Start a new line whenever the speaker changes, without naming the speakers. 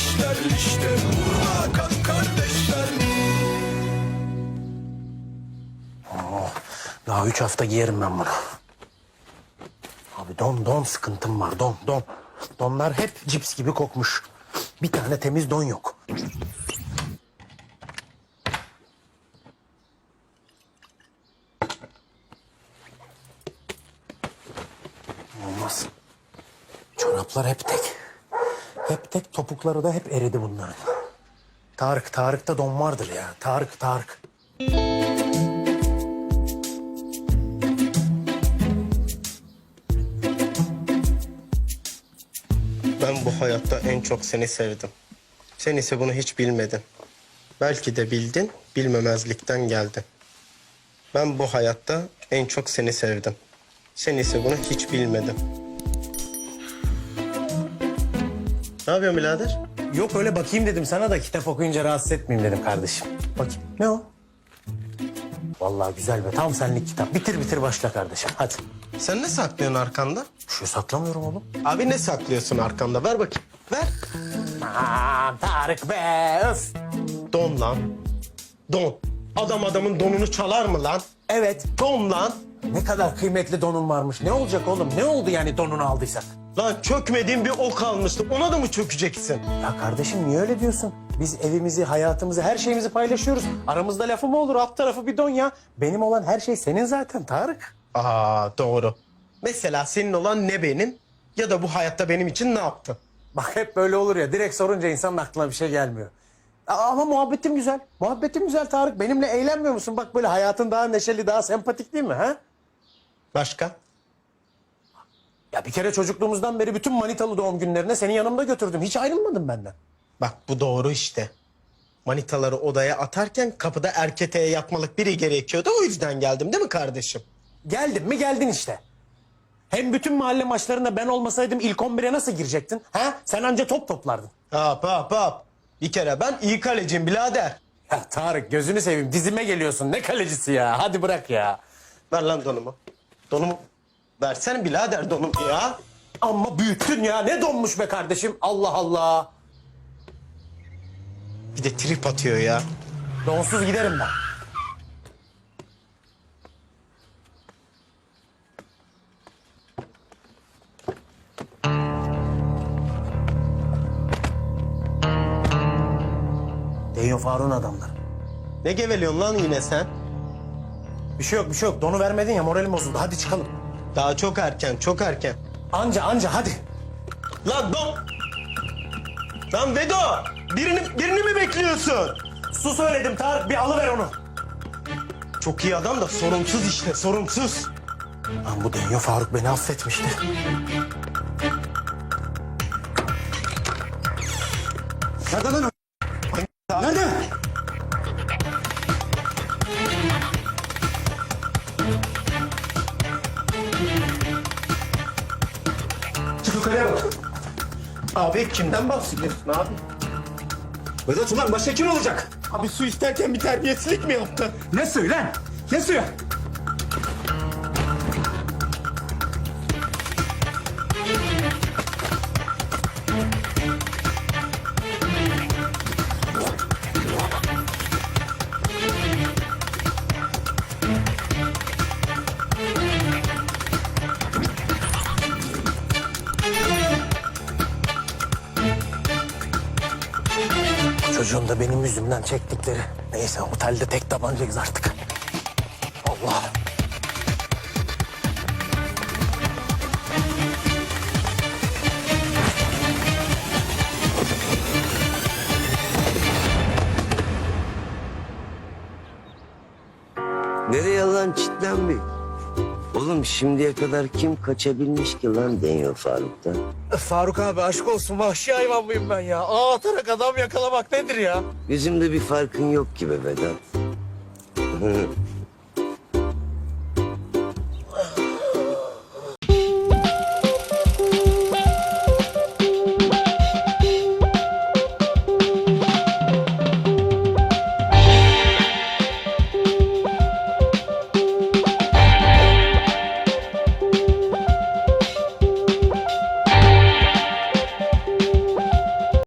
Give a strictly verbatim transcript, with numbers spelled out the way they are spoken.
kardeşler işte burada kan kardeşler.
Oh, daha üç hafta giyerim ben bunu. Abi don don sıkıntım var don don. Donlar hep cips gibi kokmuş. Bir tane temiz don yok. Olmaz. Çoraplar hep tek. Hep tek, topukları da hep eridi bunların. Tarık, Tarık'ta don vardır ya. Tarık, Tarık.
Ben bu hayatta en çok seni sevdim. Sen ise bunu hiç bilmedin. Belki de bildin, bilmemezlikten geldin. Ben bu hayatta en çok seni sevdim. Sen ise bunu hiç bilmedin. Ne yapıyorsun birader?
Yok öyle bakayım dedim sana da kitap okuyunca rahatsız etmeyeyim dedim kardeşim. Bakayım. Ne o? Vallahi güzel be. Tam senlik kitap. Bitir bitir başla kardeşim. Hadi.
Sen ne saklıyorsun arkanda?
Bir şey saklamıyorum oğlum.
Abi ne saklıyorsun arkanda? Ver bakayım. Ver.
Aman Tarık be öf.
Don lan. Don. Adam adamın donunu çalar mı lan?
Evet.
Don lan.
Ne kadar kıymetli donun varmış. Ne olacak oğlum? Ne oldu yani donunu aldıysak?
Lan çökmediğin bir ok almıştı. Ona da mı çökeceksin?
Ya kardeşim niye öyle diyorsun? Biz evimizi, hayatımızı, her şeyimizi paylaşıyoruz. Aramızda lafı mı olur? Alt tarafı bir don ya. Benim olan her şey senin zaten Tarık.
Aa doğru. Mesela senin olan ne benim ya da bu hayatta benim için ne yaptın?
Bak hep böyle olur ya. Direkt sorunca insanın aklına bir şey gelmiyor. Aa, ama muhabbetim güzel. Muhabbetim güzel Tarık. Benimle eğlenmiyor musun? Bak böyle hayatın daha neşeli, daha sempatik değil mi? Ha?
Başka?
Ya bir kere çocukluğumuzdan beri bütün manitalı doğum günlerine seni yanımda götürdüm. Hiç ayrılmadın benden.
Bak bu doğru işte. Manitaları odaya atarken kapıda erketeğe yatmalık biri gerekiyordu. O yüzden geldim değil mi kardeşim?
Geldin mi geldin işte. Hem bütün mahalle maçlarında ben olmasaydım ilk on bire nasıl girecektin? Ha? Sen anca top toplardın.
Hop hop hop. Bir kere ben iyi kaleciyim birader.
Ya Tarık gözünü seveyim dizime geliyorsun. Ne kalecisi ya? Hadi bırak ya.
Ver lan donumu. Donumu versene birader donumu ya.
Amma büyüttün ya. Ne donmuş be kardeşim? Allah Allah.
Bir de trip atıyor ya.
Donsuz giderim ben. Deyo Faruk'un adamları.
Ne geveliyorsun lan yine sen?
Bir şey yok bir şey yok. Donu vermedin ya moralim bozuldu. Hadi çıkalım.
Daha çok erken, çok erken.
Anca anca hadi.
Lan don! Lan Vedo! Birini, birini mi bekliyorsun?
Su söyledim Tarık bir alıver onu.
Çok iyi adam da sorumsuz işte, sorumsuz.
Lan bu Denyo Faruk beni affetmişti. Nerede lan o? Nerede? Çık yukarıya bak.
Abi kimden bahsediyorsun abi?
Vedat ulan başka kim olacak?
Abi su isterken bir terbiyesizlik mi yaptın?
Ne suyu lan? Ne suyu? Çocuğun da benim yüzümden çektikleri. Neyse otelde tek tabancayız artık. Allah.
Nereye lan çitlenme? Oğlum şimdiye kadar kim kaçabilmiş ki lan Denyo Faruk'tan?
Faruk abi aşk olsun vahşi hayvan mıyım ben ya? Ağ atarak adam yakalamak nedir ya?
Yüzümde bir farkın yok gibi Vedat.